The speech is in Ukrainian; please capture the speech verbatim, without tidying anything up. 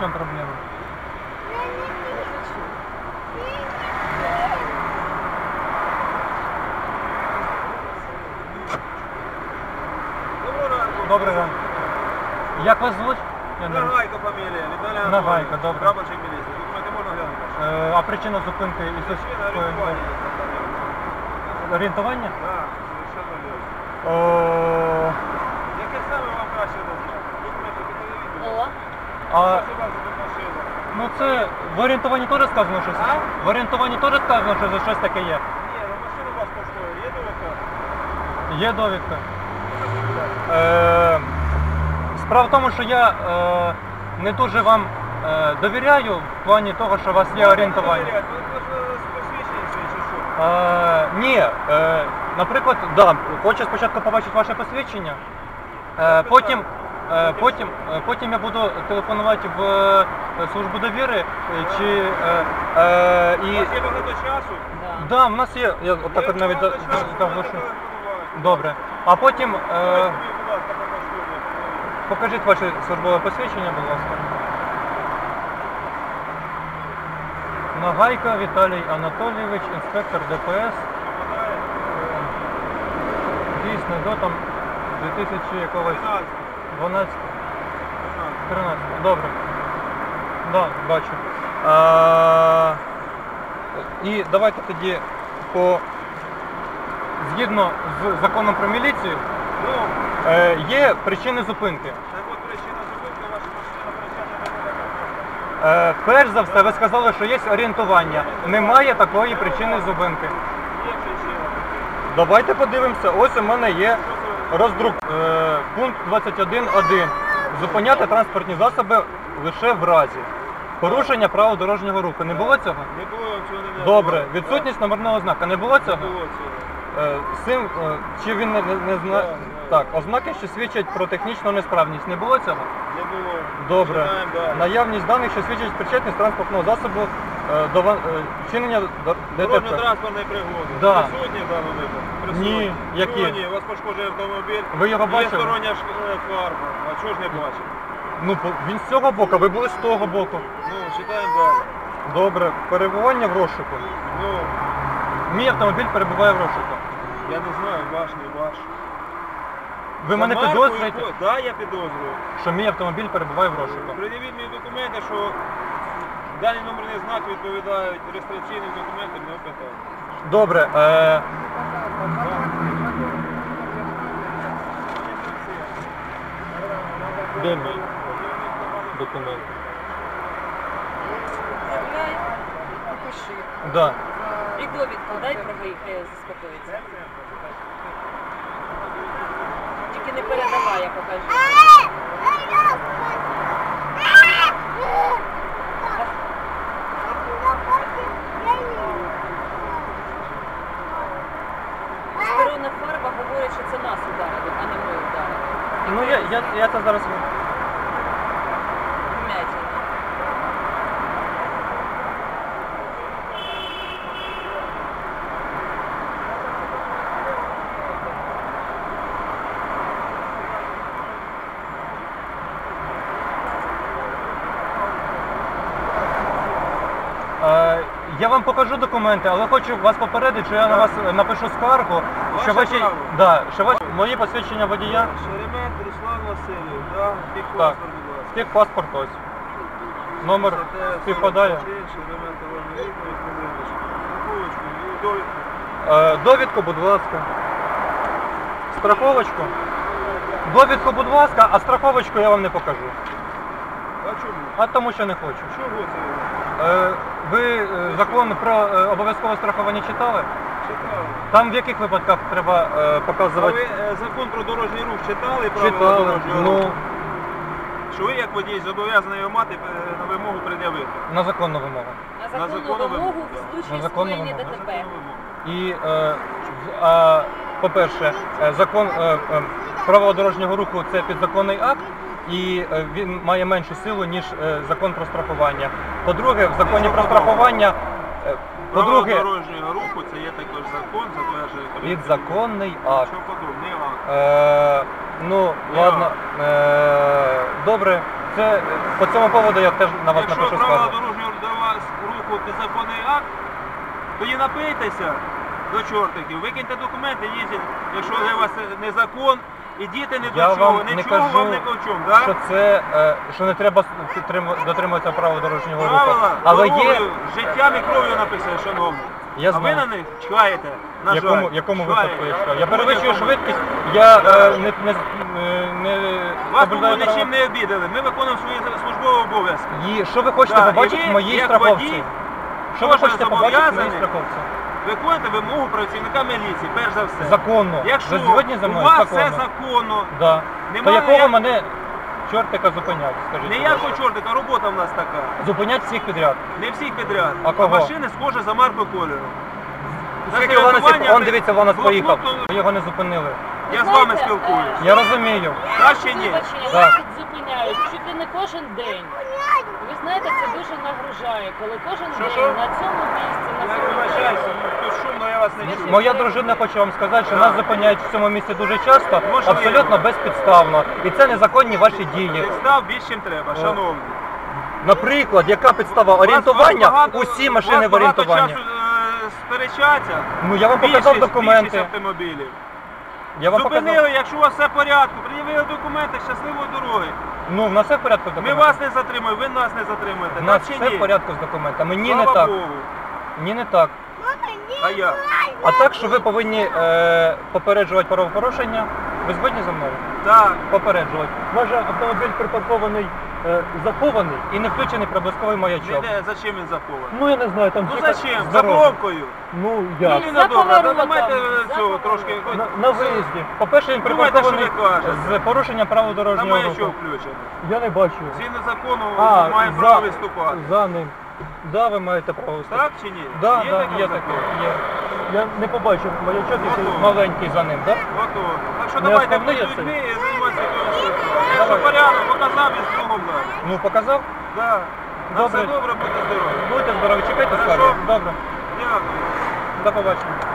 чому проблема? Добрий ранок. Як вас звуть? Нагайко фамілія, Віталій Анатолійович. Нагайко, добре. Прапорщик міліції. Документи можна глянути? Е, а причина зупинки і це Орієнтування. орієнтування? Так, совершенно вірно. О, Яке саме вам краще назвати? Документи по телевізору? а, Що вас за машина? ну це в орієнтуванні теж сказано щось? А? В орієнтуванні теж сказано, що за щось таке є? Ні, ну машина у вас коштує. Є довідка? Є довідка. Е, справа в тому, що я е, не дуже вам е, довіряю в плані того, що у вас є орієнтування. Ви посвідчені свої чи що? Е, ні, е, наприклад, да, хочу спочатку побачити ваше посвідчення, е, потім, е, потім, е, потім я буду телефонувати в е, службу довіри, е, чи е, е, У і... вас є багато часу? Да, в нас є, я отак от навіть Є багато часу, заглушу. можна телефонувати. Добре. А потім, е, Ось тобі, будь ласка, покажу. покажіть ваше службове посвідчення, будь ласка. Нагайко Віталій Анатолійович, інспектор Д П С. Дійсно, до там дві тисячі якогось дванадцятого, тринадцятого. Добре. Да, бачу. А, і давайте тоді по згідно з законом про міліцію Ну, е, є причини зупинки. так от причина зупинки, ваша машина причина до Е, перш за все, ви сказали, що є орієнтування. Немає такої причини зупинки. Є причина. Давайте подивимося. Ось у мене є роздрук. Е, пункт двадцять один один. Зупиняти транспортні засоби лише в разі порушення правил дорожнього руху. Не було цього? Не було цього не Добре. Відсутність номерного знака. Не було Не цього? було цього. Е, сим, е, чи він не, не, не знає? Так, ознаки, що свідчать про технічну несправність. Не було цього? Не було. Добре. Читаємо далі. Наявність даних, що свідчать причетність транспортного засобу е, до ва- е, вчинення до- ДТП. Дорожньо-транспортної пригоди. Да. Присутні в даному випадку? Присутні. Ні, які? Чого ні? У вас пошкоджений автомобіль. Ви його Є бачили? стороння ш- е, фарба. А чого ж не бачив? Ну, по- він з цього боку, ви були з того боку. Ну, читаємо далі. Добре. Перебування в розшуку. Ну, Мій автомобіль перебуває в розшуку. я не знаю, ваш, не ваш. Ви мене За марку підозрюєте, і ко- Да, я підозрюю. що мій автомобіль перебуває в розшуку. Пред'явіть мені документи, що дані номерні знаки відповідають реєстраційним документам, не питання. Добре. Е... Де мій документ? Заявляй, напиши. Да. І довідку дай про виїхає заспокоїться. Тільки не передавай, я покажу. Сторонна фарба говорить, що це нас ударили, а не ми ударили. Ну я, я, я це зараз. Вмятина. Е, я вам покажу документи, але хочу вас попередити, що я на вас напишу скаргу, що Ваше ваші, право. да, що ваші мої посвідчення водія, Шеремет Руслан Васильович, да? Так. Техпаспорт, будь ласка. техпаспорт ось. Номер співпадає. Шеремет Іван Вікторович, Володимирович. Страховочку, і довідку. Е, довідку, будь ласка. Страховочку. Довідку, будь ласка, а страховочку я вам не покажу. А чому? А тому що не хочу. Чого це? Е, ви е, закон про е, обов'язкове страхування читали? Читали. Там в яких випадках треба е, А показувати? ви е, закон про дорожній рух читали? Правила Читали. дорожнього Ну, руху? Що ви як водій зобов'язаний його мати е, на вимогу пред'явити? на законну вимогу. На На законну законну вимогу вимогу, в да. случаї На законну скоєння вимогу. ДТП. І, е, в- а, по-перше, е, закон е, е, правила дорожнього руху це підзаконний акт, і е, він має меншу силу, ніж е, закон про страхування. По-друге, в законі про страхування, е, Правила по-друге, дорожнього руху це є також закон, затверджує Кабінет. підзаконний акт. Що подобне акт. Е, ну, ладно, е, добре, це е, по цьому поводу я теж на вас Якщо напишу правила скаргу. дорожнього до вас руху підзаконний акт, тоді напийтеся до чортиків, викиньте документи, їздіть, якщо для вас це не закон, і діти не Я до чого, вам не нічого кажу, вам не до чому, да? Що це, е, що не треба підтрим- дотримуватися правил дорожнього руху. Правила Але є, дорогою, життям і кров'ю написано, шановні. я А ви знаю. на них чхаєте, на В якому, жаль. якому Чхаєте. випадку я чекаю? Я перевищую Будь-якому. швидкість, я Да. е, не, не, е, не Вас соблюдаю тому права. нічим не обідали, ми виконуємо свої службові обов'язки. І що ви хочете Да, і побачити ви, в моїй як страховці? водій, Що ви кожен хочете побачити в моїй зобов'язаний страховці? Виконуйте вимогу працівника міліції, перш за все. Законно. Якщо Ви згодні за у мною? вас Законно. все законно, Да. Нема То якого ніяк- мене чортика зупинять, скажіть? ніякого будь ласка? чортика, робота в нас така. Зупинять всіх підряд. Не всіх підряд. А кого? машини схожі за маркою кольору. За Скільки Ланосів, зарядування он ви- дивіться, Ланос блокнот- поїхав. Ви його не зупинили. Я з Знаєте, вами спілкуюсь. Я розумію. Краще ні. Вибачення, Так. вас тут зупиняють чуть ли не кожен день. Ви знаєте, це дуже нагружає, коли кожен Що, день що? на цьому місці, на Я цьому вибачаюся, тут шумно, я вас не чую. Моя дружина, хочу вам сказати, що Так. нас зупиняють в цьому місці дуже часто, Можливо. абсолютно безпідставно. І це незаконні ваші дії. Підстав більш, чим треба, шановні. Наприклад, яка підстава орієнтування? Усі машини в орієнтуванні. Часу, е, сперечаться. Ну я вам показав Більшість- документи. більшість автомобілів. Я вам Зупинили, показав. якщо у вас все в порядку, пред'явили документи, щасливої дороги. Ну, в нас все в порядку з Ми документами. вас не затримуємо, ви нас не затримуєте. У нас Так чи все ні? в порядку з документами. Ні, Слава не так. Богу. Ні, не так. А я? А так, що ви повинні е, попереджувати правопорушення, ви згодні за мною? Так. Попереджувати. Ваш автомобіль припаркований, е, захований і не включений проблисковий маячок. Не, за чим він захований? Ну я не знаю, там Ну тільки зачем? з За дороги. пробкою. Ну Ну, як? не За добре, поворотом, давайте за цього поворотом. трошки. На, на виїзді. По-перше, він Думайте, припаркований що ви кажете. з порушенням правил На дорожнього маячок руху. включено. Я не бачу. Згідно закону А, має за, право виступати. за ним. Да, ви маєте право виступати. Так чи ні? Да, Є да, таке є в таке. законі? Є. Я не побачив маячок, який Готово. маленький за ним, так? Готово. Так що Не давайте основний будь я людьми цей? і займатися якоюсь ситуацією. Якщо Давай. порядок, показав і з другом далі. Ну, показав? Да. На Добре. все добре, будьте здорові. Будьте здорові, чекайте Хорошо. скарги. Добре. Дякую. До побачення.